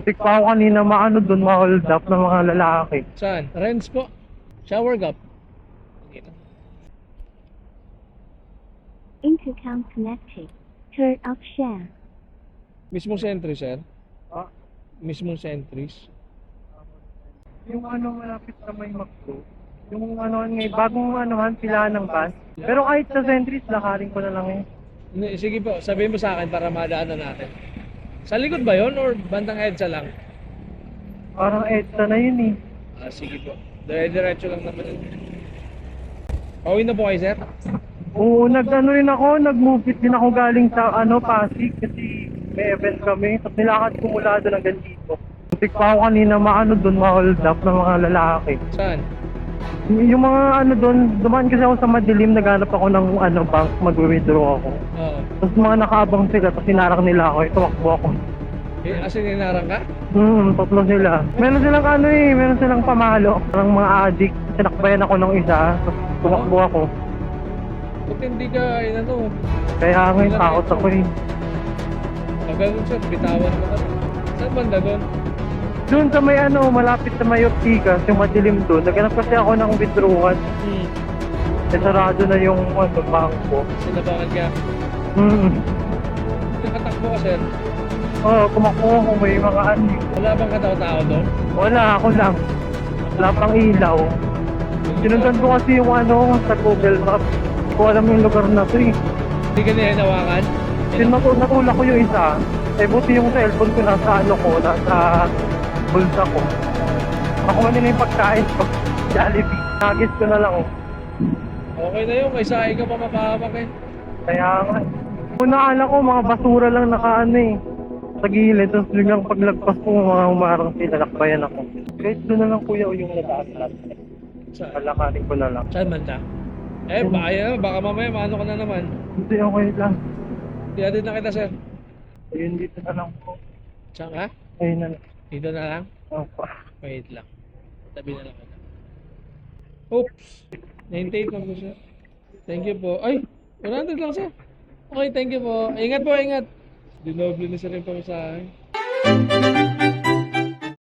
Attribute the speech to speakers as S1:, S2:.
S1: Muntik pa ako kanina maano doon, ma-hold up ng mga lalaki.
S2: Saan? Renz po. Shower gap. Okay na.
S3: Intercom connected. Turn off share.
S2: Mismong sentry, sir?
S1: Ah,
S2: Mismong sentries?
S1: yung ano malapit sa may Macdo, yung ano ngay bagong anuhan pila ng bus. Pero kahit sa Centris, lakarin ko na lang eh.
S2: Hindi, sige po, sabihin mo sa akin para madaanan natin. Sa likod ba yon or bandang EDSA lang?
S1: Parang EDSA na yun eh.
S2: Ah, sige po. Diretso lang naman yun. Pauwi na po kayo, sir?
S1: Oo, nag-ano rin ako, nag-move din ako galing sa ano, Pasig kasi may event kami. Tapos nilakad ko mula doon hanggang dito. Muntik pa ako kanina maano doon, ma-hold up ng mga lalaki.
S2: Saan?
S1: Yung mga ano doon, dumaan kasi ako sa madilim, naghanap ako ng ano, bank, mag-withdraw ako.
S2: Oo.
S1: Tapos mga nakaabang sila, tapos sinarang nila ako, tumakbo ako.
S2: Eh, asin ninarang ka?
S1: Tatlo sila. Meron silang ano eh, meron silang pamalo. Parang mga addict, sinakbayan ako ng isa, tapos tumakbo ako.
S2: Ba't hindi ka, ano?
S1: Kaya ngayon, takot ako eh.
S2: Pag ganun, sir, bitawan mo ka. Saan banda doon?
S1: Doon sa may ano, malapit sa may Optica, yung madilim doon, naghanap kasi ako ng withdrawal. Eh, sarado na yung ano, bangko.
S2: Sinabangan ka. Nakatakbo ka, sir.
S1: Oo, kumakuha ko may mga ano.
S2: Wala bang katao-tao doon?
S1: Wala, ako lang. Wala pang ilaw. Sinundan ko kasi yung ano, sa Google Maps. Hindi ko alam yung lugar na to eh.
S2: Hindi ka nahinawakan?
S1: Natulak ko yung isa. Eh, buti yung cellphone ko nasa ano ko, nasa bulsa ko. Makuha nila yung pagkain ko. Jollibee. Nagis ko na lang oh.
S2: Okay na yun, may sahi ka pa mapahamak eh.
S1: Kaya nga. Una ala ko, mga basura lang nakaano eh. Sa gilid, tapos biglang paglagpas ko, mga humarang sila, nakbayan ako. Guys, doon na lang kuya o yung nadaan natin.
S2: Saan?
S1: Palakarin ko na lang.
S2: Saan banda? Eh, baka mamaya maano ka na naman.
S1: Hindi, okay lang.
S2: Tiyatid na kita, sir.
S1: Ayun, dito na lang po.
S2: Saan ka?
S1: Ayun na lang.
S2: Dito na lang?
S1: Opo.
S2: Wait lang. Tabi na lang kita. Oops! 98 lang po, sir. Thank you po. Ay! 100 lang, sir. Okay, thank you po. Ingat po, ingat. Dinoble na sir yung pamasahe.